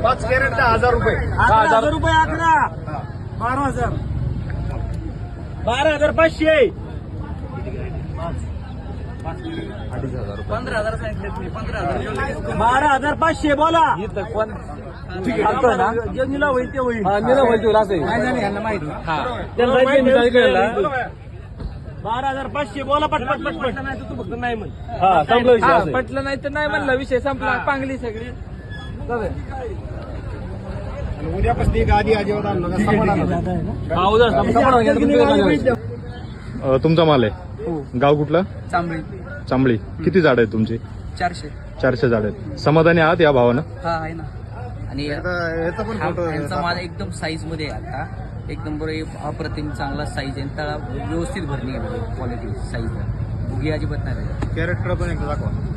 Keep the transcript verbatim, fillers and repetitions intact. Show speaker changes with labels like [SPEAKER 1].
[SPEAKER 1] पाच कॅरेट दहा हजार रुपये.
[SPEAKER 2] अकरा हजार रुपये. अकरा बारा हजार बारा हजार पाचशे
[SPEAKER 3] पंधरा हजार सांगितले तुम्ही. पंधरा हजार
[SPEAKER 2] बारा हजार पाचशे. बोला
[SPEAKER 3] इथं पण
[SPEAKER 2] जे निला होईल ते होईल. बारा हजार पाचशे. बोला पटपट पटपट. नाही तू फक्त नाही म्हण.
[SPEAKER 3] हा संपला विषय. हा, पटलं नाही तर नाही म्हणलं, विषय संपला. पांगली सगळी
[SPEAKER 1] उद्यापासून एक आधी अजिबात आणलं ना, समाधान होतं.
[SPEAKER 4] अ, तुमचा माल आहे. गाव कुठलं?
[SPEAKER 3] चांबळी.
[SPEAKER 4] चांबळी. किती झाड आहेत तुमची?
[SPEAKER 3] चारशे.
[SPEAKER 4] चारशे झाड आहेत. समाधानी आहात या भावानं?
[SPEAKER 3] हा आहे ना. आणि
[SPEAKER 1] याचा पण फोटो आहे.
[SPEAKER 3] यांचा माल एकदम साईज मध्ये आहे आता. एक नंबर अप्रतिम चांगला साईज आहे. तळा व्यवस्थित भरणी आहे क्वालिटी साईज. भुगी अजिबात नाही.
[SPEAKER 1] कॅरेक्टर पण एकदा दाखवा.